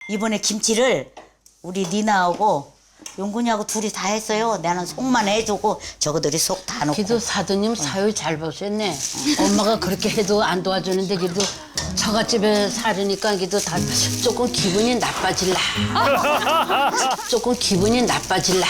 이번에 김치를 우리 니나하고 용군이하고 둘이 다 했어요. 나는 속만 해주고 저거들이 속 다 넣고. 기도 사도님 사유 잘 보셨네. 엄마가 그렇게 해도 안 도와주는데 기도 처갓집에 살으니까 기도 다 조금 기분이 나빠질라. 조금 기분이 나빠질라.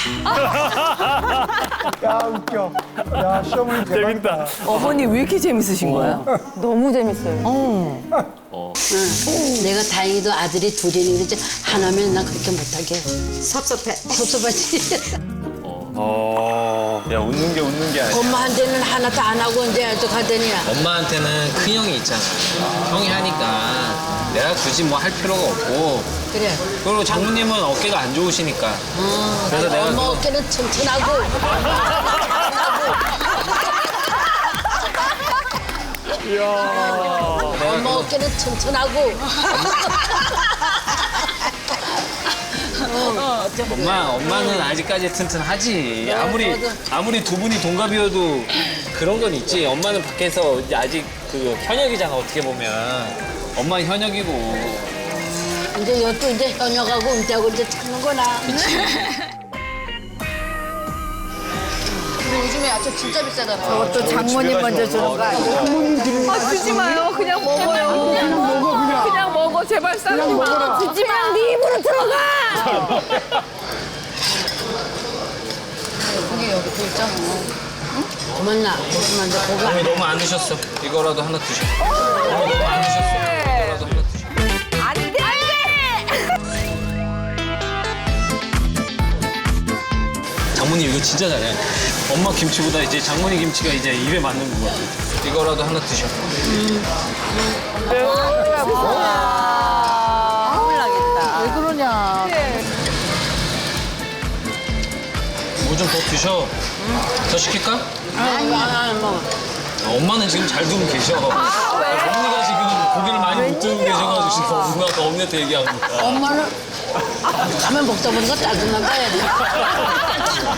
야 웃겨. 야 시어머니 대박이다. 어머니 왜 이렇게 재밌으신 거야? 너무 재밌어요. 내가 다행히도 아들이 둘이니 그러지 하나면 난 그렇게 못하게 섭섭해. 섭섭하지. 야 웃는 게 아니야. 엄마한테는 하나도 안 하고 이제 어떡하더니 엄마한테는 큰 형이 있잖아. 형이 하니까 내가 굳이 뭐 할 필요가 없고. 그래. 그리고 장모님은 어깨가 안 좋으시니까. 그래서 내가 엄마 그- 어깨는 튼튼하고 엄마 어깨는 튼튼하고 엄마는 아직까지 튼튼하지. 아무리 두 분이 동갑이어도 그런 건 있지. 엄마는 밖에서 이제 아직 그 현역이잖아, 어떻게 보면. 엄마는 현역이고. 이제 이것도 이제 현역하고 은퇴하고 이제 찾는구나. 요즘에 야채 진짜 비싸잖아요. 저것도 장모님 먼저 주는 거 아니에요? 아, 주지 마요. 그냥 먹어요. 그냥 먹어. 제발 싸지 마. 주지 마. 네 입으로 들어가. 그게 여기 또 있잖아. 고맙나? 고맙나? 이제 고기 어머니 너무 안 드셨어. 이거라도 하나 드셔. 어머니 너무 안 드셨어. 이거라도 하나 드셔. 안 돼. 안 돼. 장모님 이거 진짜 잘해. 엄마 김치보다 이제 장모님 김치가 이제 입에 맞는 거 같아. 이거라도 하나 드셔. 왜 그러냐? 뭐 좀 더 드셔. 더 시킬까? 안 먹어. 엄마는 지금 잘 두고 계셔. 언니가 지금 고기를 많이 못 두고 계셔가지고 지금 엄마가 언니한테 얘기하고 있다. 엄마는 가면 먹다 보니까 짜증난다 해야 돼.